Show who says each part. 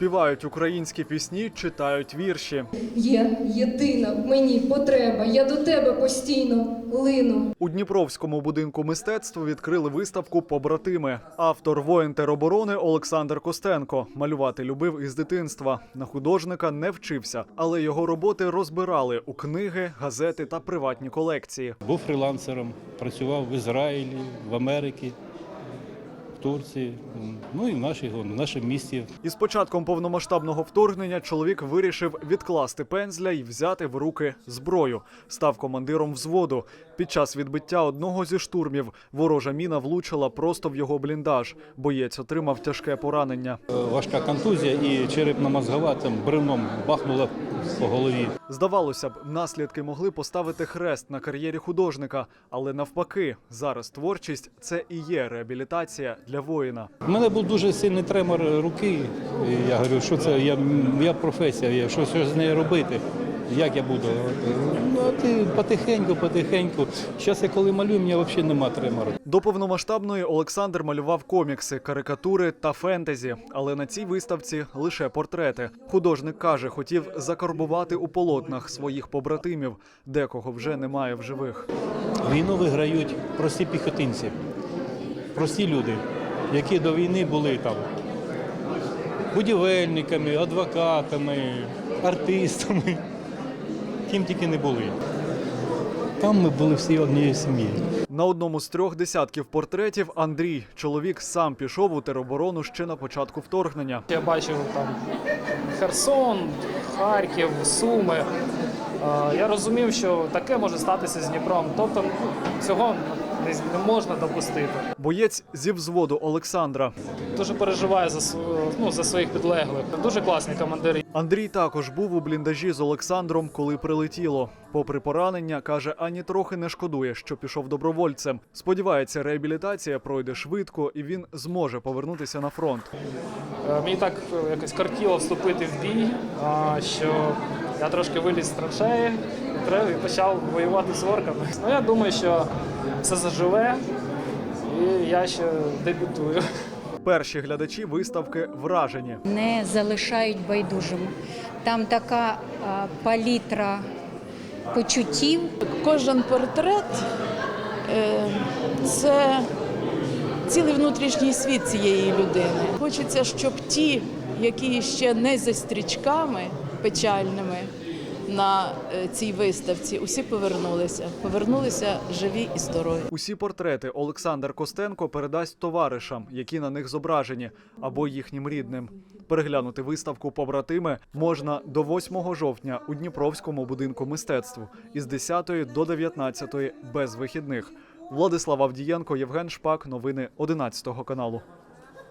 Speaker 1: Співають українські пісні, читають вірші.
Speaker 2: Є єдина в мені потреба, я до тебе постійно лину.
Speaker 1: У Дніпровському будинку мистецтв відкрили виставку «Побратими». Автор воїн тероборони Олександр Костенко. Малювати любив із дитинства. На художника не вчився, але його роботи розбирали у книги, газети та приватні колекції.
Speaker 3: Був фрілансером, працював в Ізраїлі, в Америці, в Турції, ну і в нашому місті.
Speaker 1: Із початком повномасштабного вторгнення чоловік вирішив відкласти пензля і взяти в руки зброю. Став командиром взводу. Під час відбиття одного зі штурмів ворожа міна влучила просто в його бліндаж. Боєць отримав тяжке поранення.
Speaker 3: Важка контузія і черепно-мозгова там бревном бахнула по голові.
Speaker 1: Здавалося б, наслідки могли поставити хрест на кар'єрі художника. Але навпаки, зараз творчість – це і є реабілітація для воїна.
Speaker 3: У мене був дуже сильний тремор руки. Я говорю, що це, я професія, що з нею робити, як я буду. Ну, ти потихеньку. Зараз я коли малюю, у мене взагалі немає тремору.
Speaker 1: До повномасштабної Олександр малював комікси, карикатури та фентезі. Але на цій виставці лише портрети. Художник каже, хотів закарбувати у полотнах своїх побратимів. Декого вже немає в живих.
Speaker 3: Війну виграють прості піхотинці, прості люди, які до війни були там будівельниками, адвокатами, артистами, ким тільки не були. Там ми були всі однією сім'єю.
Speaker 1: На одному з 3 десятків портретів Андрій. Чоловік сам пішов у тероборону ще на початку вторгнення.
Speaker 4: Я бачив там Херсон, Харків, Суми. Я розумів, що таке може статися з Дніпром. Тобто цього не можна допустити.
Speaker 1: Боєць зі взводу Олександра.
Speaker 4: Дуже переживаю за своїх підлеглих. Дуже класні командири.
Speaker 1: Андрій також був у бліндажі з Олександром, коли прилетіло. Попри поранення, каже, ані трохи не шкодує, що пішов добровольцем. Сподівається, реабілітація пройде швидко і він зможе повернутися на фронт.
Speaker 4: Мені так якось кортіло вступити в бій, що я трошки виліз з траншеї і почав воювати з орками. Ну, я думаю, що все заживе і я ще дебютую.
Speaker 1: Перші глядачі виставки вражені.
Speaker 5: Не залишають байдужим. Там така палітра почуттів.
Speaker 6: Кожен портрет – це цілий внутрішній світ цієї людини. Хочеться, щоб ті, які ще не за стрічками печальними на цій виставці, усі повернулися живі і здорові.
Speaker 1: Усі портрети Олександр Костенко передасть товаришам, які на них зображені, або їхнім рідним. Переглянути виставку «Побратими» можна до 8 жовтня у Дніпровському будинку мистецтв із 10 до 19 без вихідних. Владислав Авдієнко, Євген Шпак. Новини 11 каналу.